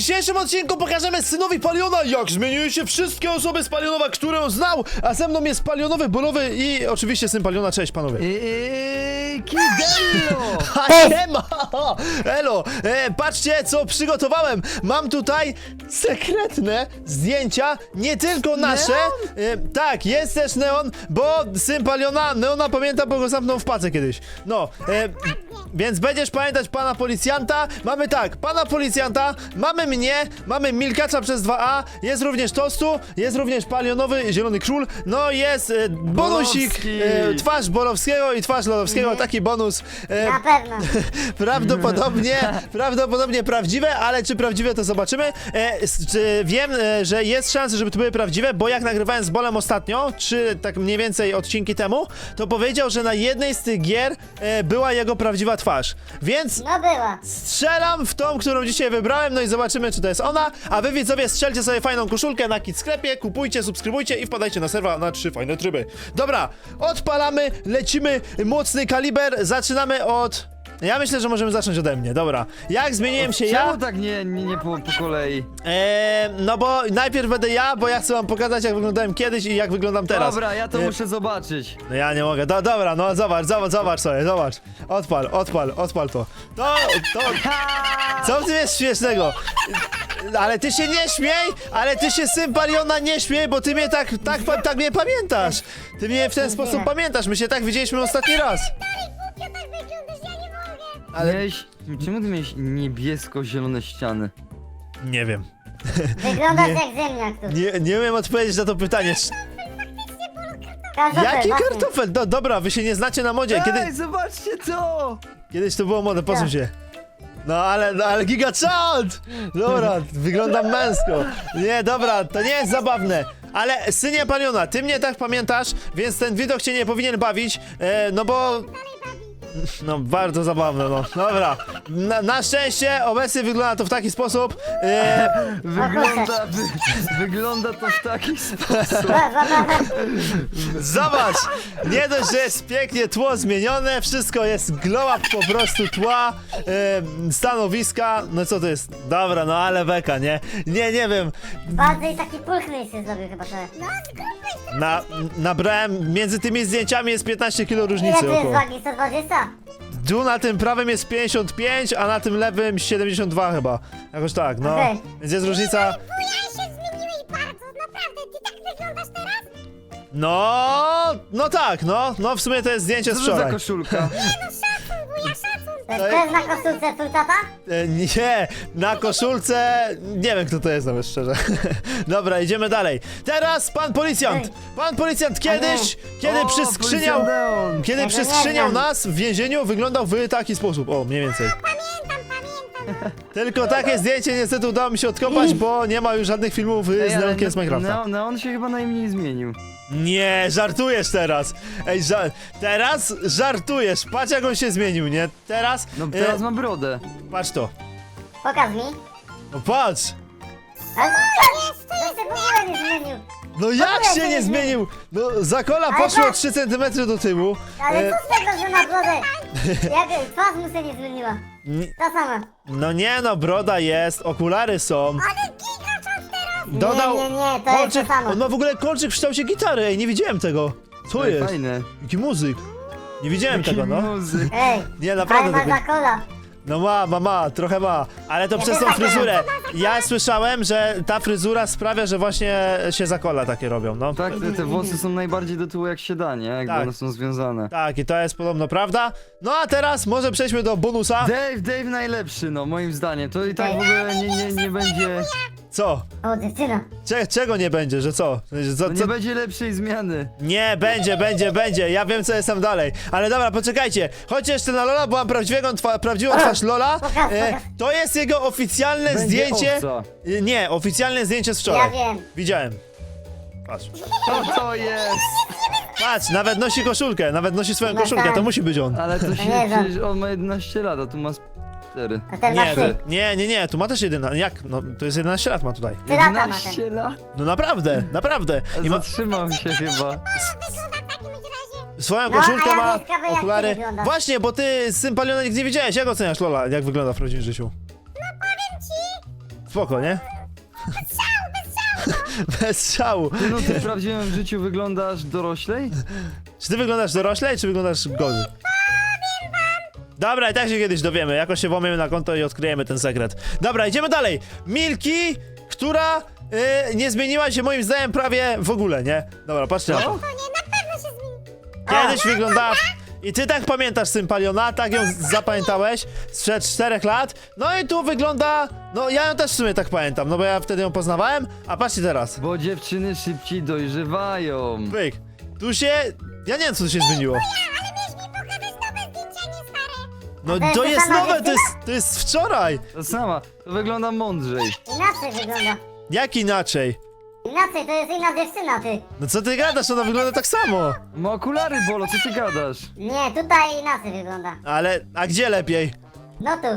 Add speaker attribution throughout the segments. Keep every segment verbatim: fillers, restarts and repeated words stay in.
Speaker 1: dzisiejszym odcinku pokażemy synowi Paliona, jak zmieniły się wszystkie osoby z Palionowa, które on znał, a ze mną jest Palionowy, Bolowy i oczywiście syn Paliona. Cześć panowie.
Speaker 2: Eee, Kidello!
Speaker 1: Siema! Elo, e, patrzcie co przygotowałem. Mam tutaj sekretne zdjęcia, nie tylko nasze. E, tak, jest też Neon, bo syn Paliona, Neona pamięta, bo go zamknął w pace kiedyś. No, e, więc będziesz pamiętać pana policjanta. Mamy tak, pana policjanta, mamy mnie, mamy Milkacza przez dwa A, jest również Tostu, jest również Palionowy, Zielony Król, no jest e, bonusik, e, twarz Bolowskiego i twarz Lodowskiego,
Speaker 2: Mhm.
Speaker 1: taki bonus. E,
Speaker 3: Na pewno.
Speaker 1: Prawdopodobnie, prawdopodobnie prawdziwe, ale czy prawdziwe to zobaczymy. E, s- czy wiem, e, że jest szansa, żeby to były prawdziwe, bo jak nagrywałem z Bolem ostatnio, czy tak mniej więcej odcinki temu, to powiedział, że na jednej z tych gier e, była jego prawdziwa twarz. Więc
Speaker 3: No była.
Speaker 1: strzelam w tą, którą dzisiaj wybrałem, no i zobaczymy, czy to jest ona. A wy widzowie strzelcie sobie fajną koszulkę na Kit Sklepie, kupujcie, subskrybujcie i wpadajcie na serwa na trzy fajne tryby. Dobra, odpalamy, lecimy, mocny kaliber, zaczynamy od... Ja myślę, że możemy zacząć ode mnie, dobra. Jak zmieniłem się ja?
Speaker 2: Czemu tak nie, nie, nie po, po kolei?
Speaker 1: Eee, no bo najpierw będę ja, bo ja chcę wam pokazać, jak wyglądałem kiedyś i jak wyglądam teraz.
Speaker 2: Dobra, ja to
Speaker 1: E,
Speaker 2: muszę zobaczyć.
Speaker 1: No ja nie mogę, do, dobra, no zobacz, zobacz, zobacz sobie, zobacz. Odpal, odpal, odpal to. To, to... Co w tym jest śmiesznego? Ale ty się nie śmiej, ale ty się syn Paliona nie śmiej, bo ty mnie tak, tak, pa- tak mnie pamiętasz. Ty mnie w ten sposób pamiętasz, my się tak widzieliśmy ostatni raz.
Speaker 3: Ja tak wyglądasz, ja nie mogę.
Speaker 1: Ale-
Speaker 2: Miałeś, czemu ty miałeś niebiesko-zielone ściany?
Speaker 1: Nie wiem.
Speaker 3: Wyglądasz
Speaker 1: Nie.
Speaker 3: jak ziemniak tu.
Speaker 1: Nie, nie wiem odpowiedzieć na to pytanie.
Speaker 3: Kartofel,
Speaker 1: Jaki
Speaker 3: właśnie.
Speaker 1: kartofel? Do, dobra, wy się nie znacie na modzie. Kiedy,
Speaker 2: Ej, zobaczcie to!
Speaker 1: kiedyś to było modne, posuń się. No ale, no ale gigachad! Dobra, wyglądam męsko. Nie, dobra, to nie jest zabawne. Ale synie Paliona, ty mnie tak pamiętasz, więc ten widok cię nie powinien bawić, e, no bo... No bardzo zabawne, no. Dobra. Na, na szczęście obecnie wygląda to w taki sposób. E,
Speaker 2: Wygląda, wy, wygląda to w taki sposób.
Speaker 3: Zabawne.
Speaker 1: Zobacz! Nie dość, że jest pięknie tło zmienione, wszystko jest glow up po prostu tła, e, stanowiska, no co to jest? Dobra, no ale beka, nie? Nie, nie wiem.
Speaker 3: Bardziej taki pulchny się zrobił chyba trochę. No,
Speaker 1: Na, nabrałem, między tymi zdjęciami jest piętnaście kilo
Speaker 3: ile
Speaker 1: różnicy
Speaker 3: tu jest
Speaker 1: około.
Speaker 3: wagi? sto dwadzieścia?
Speaker 1: Tu na tym prawym jest pięćdziesiąt pięć, a na tym lewym siedemdziesiąt dwa chyba. Jakoś tak, no.
Speaker 3: Okej.
Speaker 1: Więc jest różnica.
Speaker 3: Ja się zmieniłeś bardzo, naprawdę. Ty tak wyglądasz teraz?
Speaker 1: No, no tak, no. No w sumie to jest zdjęcie
Speaker 2: Co
Speaker 1: z
Speaker 2: to za
Speaker 1: wczoraj.
Speaker 2: koszulka?
Speaker 3: To jest też na koszulce twój tata?
Speaker 1: E, Nie, na koszulce. Nie wiem kto to jest nawet szczerze. Dobra, idziemy dalej. Teraz pan policjant.
Speaker 3: Ej.
Speaker 1: Pan policjant kiedyś, kiedy
Speaker 2: O,
Speaker 1: przyskrzyniał.
Speaker 2: policjant Neon.
Speaker 1: Kiedy
Speaker 3: Ja to nie
Speaker 1: przyskrzyniał
Speaker 3: znam.
Speaker 1: nas w więzieniu, wyglądał w taki sposób. O, mniej więcej.
Speaker 3: Pamiętam, pamiętam.
Speaker 1: Tylko takie zdjęcie niestety udało mi się odkopać, bo nie ma już żadnych filmów y,
Speaker 2: Ej,
Speaker 1: z
Speaker 2: ale
Speaker 1: Neonkiem z Minecrafta.
Speaker 2: Neon, Neon się chyba najmniej zmienił.
Speaker 1: Nie, żartujesz teraz. Ej, ża teraz żartujesz. Patrz jak on się zmienił, nie? Teraz.
Speaker 2: No
Speaker 1: e,
Speaker 2: teraz ma brodę.
Speaker 1: Patrz to.
Speaker 3: Pokaż mi.
Speaker 1: No patrz.
Speaker 3: Ale to jest, to jest, w ogóle nie zmienił.
Speaker 1: No jak
Speaker 3: ogóle
Speaker 1: się nie zmienił? No zakola
Speaker 3: Ale
Speaker 1: poszło
Speaker 3: patrz.
Speaker 1: trzy centymetry do tyłu.
Speaker 3: Ale
Speaker 1: E,
Speaker 3: co z tego, że na brodę? Jak twarz mu się nie zmieniła.
Speaker 1: N-
Speaker 3: Ta sama.
Speaker 1: No nie no, broda jest, okulary są.
Speaker 3: Ale gigaczas teraz!
Speaker 1: Dodał
Speaker 3: Nie, nie, nie, to jest
Speaker 1: kolczyk.
Speaker 3: to samo.
Speaker 1: On ma w ogóle kolczyk w kształcie gitary. Ej, nie widziałem tego. Co
Speaker 2: Ej,
Speaker 1: jest?
Speaker 2: Fajne.
Speaker 1: Jaki muzyk. Nie widziałem tego, no.
Speaker 2: Muzyk.
Speaker 3: Ej,
Speaker 1: Nie, naprawdę
Speaker 3: ale ma
Speaker 1: tego.
Speaker 3: za kola.
Speaker 1: No ma, ma, ma, trochę ma, ale to
Speaker 3: Ja
Speaker 1: przez
Speaker 3: też
Speaker 1: tą
Speaker 3: tak
Speaker 1: fryzurę.
Speaker 3: miałam.
Speaker 1: Ja słyszałem, że ta fryzura sprawia, że właśnie się zakola takie robią, no.
Speaker 2: Tak, te, te włosy są najbardziej do tyłu jak się da, nie? Jakby
Speaker 1: Tak.
Speaker 2: one są związane.
Speaker 1: Tak, i to jest podobno prawda. No a teraz może przejdźmy do bonusa.
Speaker 2: Dave, Dave najlepszy, no moim zdaniem. To i tak w ogóle nie, nie, nie będzie.
Speaker 1: Co?
Speaker 3: O, dziewczyna.
Speaker 1: Cze czego nie będzie, że co? Że co,
Speaker 2: No
Speaker 1: co?
Speaker 2: nie będzie lepszej zmiany.
Speaker 1: Nie, będzie, będzie, będzie. Ja wiem, co jest tam dalej. Ale dobra, poczekajcie. Chodźcie jeszcze na Lola, bo mam prawdziwego, twa prawdziwą twarz Lola.
Speaker 3: Pokaż,
Speaker 1: E,
Speaker 3: pokaż.
Speaker 1: to jest jego oficjalne
Speaker 2: Będzie
Speaker 1: zdjęcie.
Speaker 2: owca.
Speaker 1: E, Nie, oficjalne zdjęcie z wczoraj.
Speaker 3: Ja wiem.
Speaker 1: Widziałem. Patrz.
Speaker 2: Co to jest?
Speaker 1: Patrz, nawet nosi koszulkę, nawet nosi swoją
Speaker 3: No
Speaker 1: koszulkę,
Speaker 3: tak.
Speaker 1: to musi być on.
Speaker 2: Ale to się,
Speaker 3: nie wiem.
Speaker 2: przecież on ma jedenaście lat, a tu ma cztery.
Speaker 3: A ten ma
Speaker 1: Nie,
Speaker 3: trzy.
Speaker 1: to, nie, nie, nie, tu ma też jedyna. Jak? No, to jest jedenaście lat ma tutaj.
Speaker 3: Trzy lata ma ten.
Speaker 2: jedenaście lat?
Speaker 1: No naprawdę, naprawdę. I ma
Speaker 2: Zatrzymał się chyba.
Speaker 1: swoją
Speaker 3: No,
Speaker 1: koszulkę,
Speaker 3: a ja
Speaker 1: ma
Speaker 3: wiem, ciekawe, jak ty
Speaker 1: okulary.
Speaker 3: wyglądasz.
Speaker 1: Właśnie, bo ty z tym Paliona nigdy nie widziałeś. Jak oceniasz Lola, jak wygląda w prawdziwym życiu? Spoko, nie? Bez strzału.
Speaker 2: Ty, no ty w prawdziwym życiu wyglądasz doroślej?
Speaker 1: Czy ty wyglądasz doroślej, czy wyglądasz gorzej? Dobra, i tak się kiedyś dowiemy. Jakoś się włamiemy na konto i odkryjemy ten sekret. Dobra, idziemy dalej. Milki, która y, nie zmieniła się moim zdaniem prawie w ogóle, nie? Dobra, patrzcie na to.
Speaker 3: To nie, na pewno się zmieni.
Speaker 1: Kiedyś wyglądała... I ty tak pamiętasz Sympaliona, tak ją zapamiętałeś sprzed czterech lat. No i tu wygląda... No ja ją też w sumie tak pamiętam, no bo ja wtedy ją poznawałem. A patrzcie teraz.
Speaker 2: Bo dziewczyny szybciej dojrzewają.
Speaker 1: Pyk. Tu się... Ja nie wiem, co tu się zmieniło.
Speaker 3: Ale miałeś mi pokazać nowe zdjęcia, nie stare.
Speaker 1: No
Speaker 3: to jest
Speaker 1: to
Speaker 3: ta
Speaker 1: jest
Speaker 3: sama
Speaker 1: nowe, to
Speaker 3: dziewczyna?
Speaker 1: jest, to jest wczoraj.
Speaker 2: To sama, to wygląda mądrzej.
Speaker 3: Inaczej wygląda.
Speaker 1: Jak inaczej?
Speaker 3: Inaczej, to jest inna dziewczyna, ty.
Speaker 1: No co ty gadasz, ona wygląda tak samo.
Speaker 2: Ma okulary, Bolo, co ty gadasz?
Speaker 3: Nie, tutaj inaczej wygląda.
Speaker 1: Ale, a gdzie lepiej?
Speaker 3: No tu.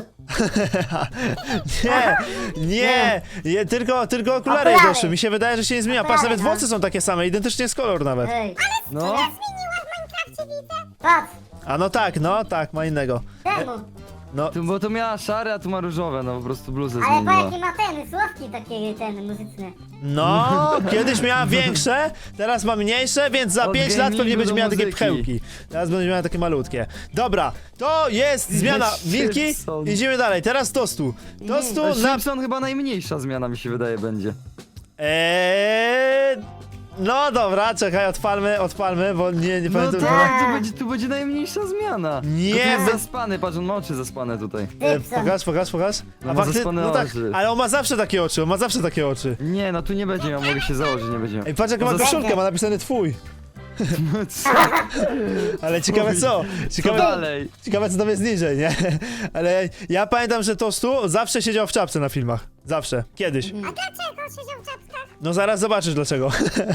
Speaker 1: Nie, nie, nie tylko, tylko okulary jej
Speaker 3: Okulary.
Speaker 1: doszły. Mi się wydaje, że się nie zmienia. Patrz,
Speaker 3: Okulary,
Speaker 1: nawet
Speaker 3: no.
Speaker 1: włosy są takie same, identycznie jest kolor nawet.
Speaker 3: Ej.
Speaker 2: No,
Speaker 3: Zmieniła w Minecrafcie, widzę. Patrz,
Speaker 1: A no tak, no tak, ma innego.
Speaker 3: temu.
Speaker 1: No,
Speaker 2: tu, bo to miała szare, a tu ma różowe, no po prostu bluzę
Speaker 3: Ale pa
Speaker 2: zmieniła.
Speaker 3: jaki ma ten, sławki takie ten muzyczne.
Speaker 1: no, kiedyś miała większe, teraz ma mniejsze, więc za
Speaker 2: Od
Speaker 1: pięć lat pewnie
Speaker 2: gamingu
Speaker 1: będzie
Speaker 2: do
Speaker 1: miała takie
Speaker 2: muzyki.
Speaker 1: pchełki. Teraz będzie miała takie malutkie. Dobra, to jest zmiana. Milki,
Speaker 2: Szybson.
Speaker 1: idziemy dalej. Teraz tostu. Tostu
Speaker 2: A
Speaker 1: na...
Speaker 2: Simpson chyba najmniejsza zmiana mi się wydaje będzie.
Speaker 1: Eee... No dobra, czekaj, odpalmy, odpalmy, bo nie, nie
Speaker 2: No
Speaker 1: pamiętam.
Speaker 2: tak, tu będzie, tu będzie najmniejsza zmiana.
Speaker 1: Nie,
Speaker 2: To jest
Speaker 1: wy-
Speaker 2: zaspany, patrz, on ma oczy zaspane tutaj.
Speaker 1: E,
Speaker 3: Typson.
Speaker 1: pokaż, pokaż, pokaż.
Speaker 2: No ma zaspane
Speaker 1: no tak,
Speaker 2: oczy.
Speaker 1: ale on ma zawsze takie oczy, on ma zawsze takie oczy.
Speaker 2: Nie, no tu nie będzie miał, mogę się założyć, nie będzie miał.
Speaker 1: Ej, patrz jaką ma
Speaker 2: No
Speaker 1: koszulkę, ma napisane twój.
Speaker 2: Co,
Speaker 1: Ale ciekawe co?
Speaker 2: co
Speaker 1: Ciekawe,
Speaker 2: dalej?
Speaker 1: ciekawe co tam jest niżej, nie? Ale ja pamiętam, że Tostu zawsze siedział w czapce na filmach. Zawsze. Kiedyś.
Speaker 3: A dlaczego siedział w czapkach?
Speaker 1: No zaraz zobaczysz dlaczego.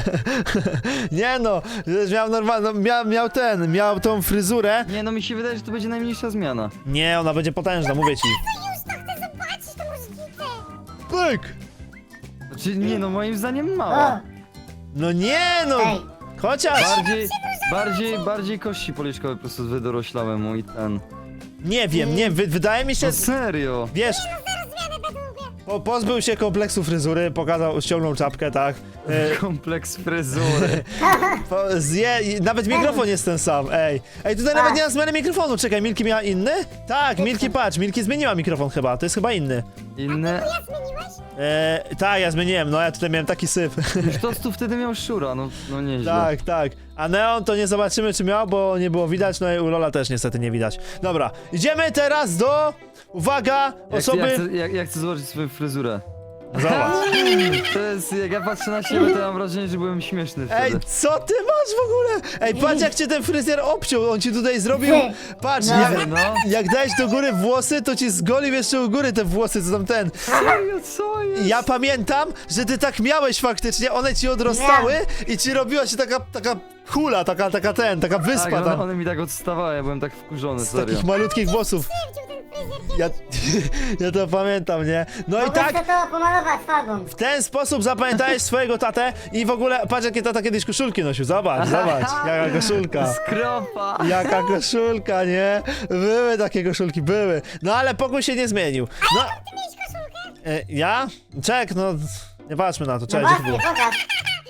Speaker 1: Nie no, miał normalną, miał, miał ten, miał tą fryzurę.
Speaker 2: Nie, no mi się wydaje, że to będzie najmniejsza zmiana.
Speaker 1: Nie, ona będzie potężna, mówię ci.
Speaker 3: To już to chcę zobaczyć, to różnicę.
Speaker 1: Pyk!
Speaker 2: Znaczy, nie no, moim zdaniem
Speaker 3: O,
Speaker 2: mała.
Speaker 1: No nie no!
Speaker 3: ej.
Speaker 1: Chociaż...
Speaker 2: Bardziej, bardziej, bardziej kości policzkowe po prostu wydoroślałem mu i ten.
Speaker 1: Nie wiem, nie, wy, wydaje mi się...
Speaker 2: No serio?
Speaker 1: Wiesz,
Speaker 3: Zaraz zmianę będę mówię.
Speaker 1: po, pozbył się kompleksu fryzury, pokazał, ściągnął czapkę, tak. E,
Speaker 2: Kompleks fryzury.
Speaker 1: po, zje, i nawet mikrofon jest ten sam, ej. Ej, tutaj nawet nie ma zmiany mikrofonu, czekaj, Milki miała inny? Tak, Milki, patrz, Milki zmieniła mikrofon chyba, to jest chyba inny.
Speaker 2: Inne.
Speaker 3: Ja zmieniłeś?
Speaker 1: E, tak, ja zmieniłem, no ja tutaj miałem taki syf.
Speaker 2: Już Tostu wtedy miał szczura, no, no nieźle.
Speaker 1: Tak, tak. A Neon to nie zobaczymy czy miał, bo nie było widać, no i u Lola też niestety nie widać. Dobra, idziemy teraz do... Uwaga,
Speaker 2: Jak,
Speaker 1: osoby...
Speaker 2: ja, chcę, ja, ja chcę zobaczyć swoją fryzurę.
Speaker 1: Zobacz.
Speaker 2: To jest, jak ja patrzę na siebie, to ja mam wrażenie, że byłem śmieszny
Speaker 1: Ej,
Speaker 2: wtedy.
Speaker 1: co ty masz w ogóle? Ej, patrz jak cię ten fryzjer obciął, on ci tutaj zrobił... Patrz,
Speaker 3: No.
Speaker 1: jak,
Speaker 2: No,
Speaker 1: jak dałeś do góry włosy, to ci zgolił jeszcze u góry te włosy, co tam ten.
Speaker 2: serio, co jest?
Speaker 1: Ja pamiętam, że ty tak miałeś faktycznie, one ci odrostały i ci robiła się taka, taka hula, taka, taka ten, taka
Speaker 2: Tak,
Speaker 1: wyspa
Speaker 2: one,
Speaker 1: tam.
Speaker 2: one mi tak odstawały, ja byłem tak wkurzony,
Speaker 1: Z
Speaker 2: serio.
Speaker 1: takich malutkich włosów.
Speaker 3: Krzywdził ten fryzjer.
Speaker 1: Ja, ja to pamiętam, nie? No i
Speaker 3: Mogłem
Speaker 1: tak,
Speaker 3: sobie to pomalować farbą.
Speaker 1: w ten sposób zapamiętałeś swojego tatę i w ogóle, patrz jakie tata kiedyś koszulki nosił, zobacz, zobacz, jaka koszulka.
Speaker 2: Skropa!
Speaker 1: Jaka koszulka, nie? Były takie koszulki, były. No ale pokój się nie zmienił. No,
Speaker 3: Ty miałeś koszulkę?
Speaker 1: e, ja? Czek, no, nie patrzmy na to,
Speaker 3: No
Speaker 1: czekaj, gdzie to
Speaker 3: właśnie,
Speaker 1: było?
Speaker 3: pokaż.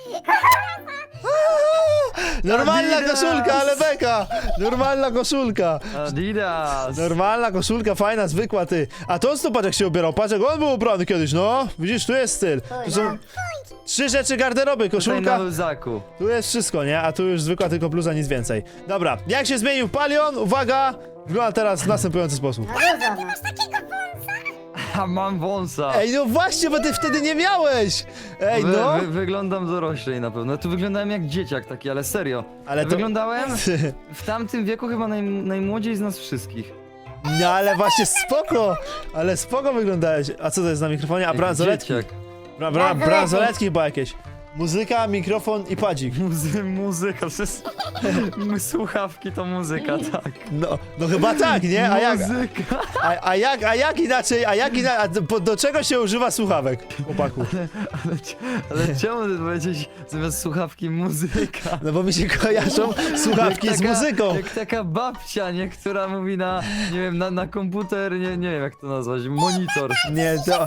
Speaker 1: Normalna
Speaker 2: Adidas!
Speaker 1: koszulka, ale beka! Normalna koszulka!
Speaker 2: Adidas!
Speaker 1: Normalna koszulka, fajna, zwykła ty. A to co patrz jak się ubierał, patrz jak on był ubrany kiedyś, no. Widzisz, tu jest styl. Tu są trzy rzeczy garderoby,
Speaker 2: Tutaj
Speaker 1: koszulka,
Speaker 2: na luzaku.
Speaker 1: tu jest wszystko, nie? A tu już zwykła tylko bluza, nic więcej. Dobra, jak się zmienił Palion? Uwaga! Wygląda teraz w następujący sposób.
Speaker 3: No dużo, no. Masz takiego wąsa?
Speaker 2: A mam wąsa!
Speaker 1: Ej, no właśnie, bo ty wtedy nie miałeś! Ej,
Speaker 2: Wy,
Speaker 1: no!
Speaker 2: wy, wyglądam doroślej na pewno. Tu wyglądałem jak dzieciak taki, ale serio.
Speaker 1: Ale to...
Speaker 2: Wyglądałem w tamtym wieku chyba naj, najmłodziej z nas wszystkich.
Speaker 1: No ale właśnie spoko! Ale spoko wyglądałeś. A co to jest na mikrofonie? A
Speaker 2: Jak
Speaker 1: bransoletki?
Speaker 2: dzieciak.
Speaker 1: Bra, bra, bransoletki chyba jakieś. Muzyka, mikrofon i padzik.
Speaker 2: Muzy, muzyka, przecież słuchawki to muzyka, tak.
Speaker 1: No, no chyba tak, nie? A jak,
Speaker 2: Muzyka.
Speaker 1: a, a jak, a jak inaczej, a jak inaczej, a do, do czego się używa słuchawek, chłopaku?
Speaker 2: Ale, ale czemu ty powiedzieć zamiast słuchawki muzyka?
Speaker 1: No bo mi się kojarzą słuchawki
Speaker 2: Jak
Speaker 1: z
Speaker 2: taka-
Speaker 1: muzyką.
Speaker 2: Jak taka babcia, nie? Która mówi na, nie wiem, na, na komputer, nie, nie wiem jak to nazwać, monitor.
Speaker 1: Nie, to,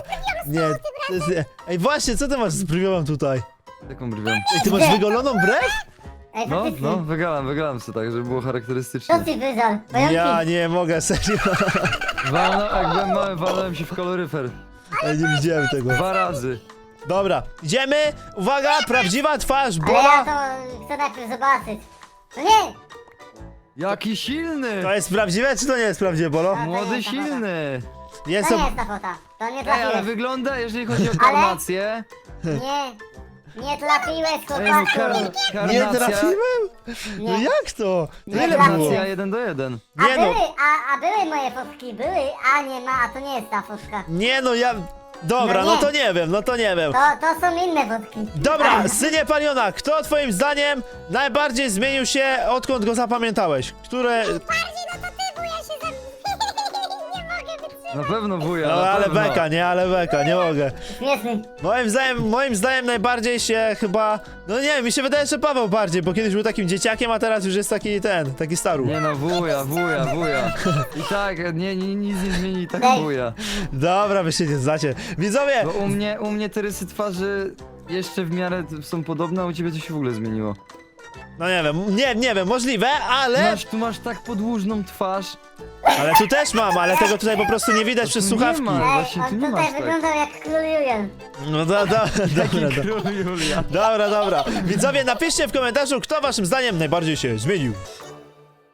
Speaker 1: Nie, to jest, ej właśnie, co ty masz z brwią tutaj?
Speaker 2: Taką brwią.
Speaker 1: Ej, ty masz wygoloną brew?
Speaker 3: Ej,
Speaker 2: No,
Speaker 3: faktycznie.
Speaker 2: no, wygrałem, wygrałem sobie tak, żeby było charakterystycznie.
Speaker 3: Co ty wyzal? Pająki.
Speaker 1: Ja nie mogę, serio.
Speaker 2: Walno, jak byłem mały, walnąłem się w koloryfer.
Speaker 1: Ej, nie widziałem tego.
Speaker 2: Dwa razy.
Speaker 1: Dobra, idziemy. Uwaga, prawdziwa twarz
Speaker 3: Ale ja
Speaker 1: Bola.
Speaker 3: to chcę najpierw zobaczyć. No nie!
Speaker 2: Jaki silny!
Speaker 1: To jest prawdziwe, czy to nie jest prawdziwe, Bolo?
Speaker 2: Młody, silny!
Speaker 1: Jest
Speaker 3: To
Speaker 1: to...
Speaker 3: nie jest ta fota. To nie
Speaker 2: Ej, ale
Speaker 3: trafiłeś.
Speaker 2: wygląda, jeżeli chodzi o karnację...
Speaker 3: Nie. Nie trafiłeś,
Speaker 2: Ej, no, kar
Speaker 3: chłopaku.
Speaker 1: Nie
Speaker 2: karnacja...
Speaker 1: trafiłem? No
Speaker 3: Nie.
Speaker 1: jak to?
Speaker 3: Nie
Speaker 1: Ile
Speaker 3: trafiłem.
Speaker 1: było?
Speaker 2: Karnacja jeden do jeden.
Speaker 3: A
Speaker 1: Nie no,
Speaker 3: były, a, a były moje fotki, były, a nie ma, a to nie jest ta fotka.
Speaker 1: nie no, ja... Dobra,
Speaker 3: No
Speaker 1: no
Speaker 3: nie.
Speaker 1: to nie wiem, no to nie wiem.
Speaker 3: To, to są inne fotki.
Speaker 1: Dobra, synie Paliona, kto twoim zdaniem najbardziej zmienił się, odkąd go zapamiętałeś? Które...
Speaker 3: Bardziej no to ty, bo ja się zam... nie mogę wytrzymać.
Speaker 2: Na pewno wuja,
Speaker 1: No
Speaker 2: na
Speaker 1: ale
Speaker 2: pewno.
Speaker 1: beka, nie, ale beka, nie mogę.
Speaker 3: Śmieszny.
Speaker 1: Moim zdaniem, moim zdaniem najbardziej się chyba... No nie wiem, mi się wydaje, że Paweł bardziej, bo kiedyś był takim dzieciakiem, a teraz już jest taki ten, taki staru.
Speaker 2: Nie no, wuja, wuja, wuja. I tak, nie, nie, nic nie zmieni, i tak
Speaker 3: Ej.
Speaker 2: wuja.
Speaker 1: Dobra, wy się nie znacie. Widzowie,
Speaker 2: Bo u mnie, u mnie te rysy twarzy jeszcze w miarę są podobne, a u ciebie to się w ogóle zmieniło.
Speaker 1: no nie wiem, nie, nie wiem, możliwe, ale...
Speaker 2: Masz, tu masz tak podłużną twarz.
Speaker 1: Ale tu też mam, ale tego tutaj po prostu nie widać przez
Speaker 2: tu nie
Speaker 1: słuchawki.
Speaker 2: ma.
Speaker 3: Ej,
Speaker 2: właśnie tu
Speaker 3: on
Speaker 2: nie
Speaker 3: tutaj
Speaker 2: masz tak.
Speaker 3: wyglądał jak król Julian.
Speaker 1: No do, do, dobra,
Speaker 2: Taki
Speaker 1: dobra.
Speaker 2: król Julia.
Speaker 1: Dobra, dobra. Widzowie, napiszcie w komentarzu, kto waszym zdaniem najbardziej się zmienił.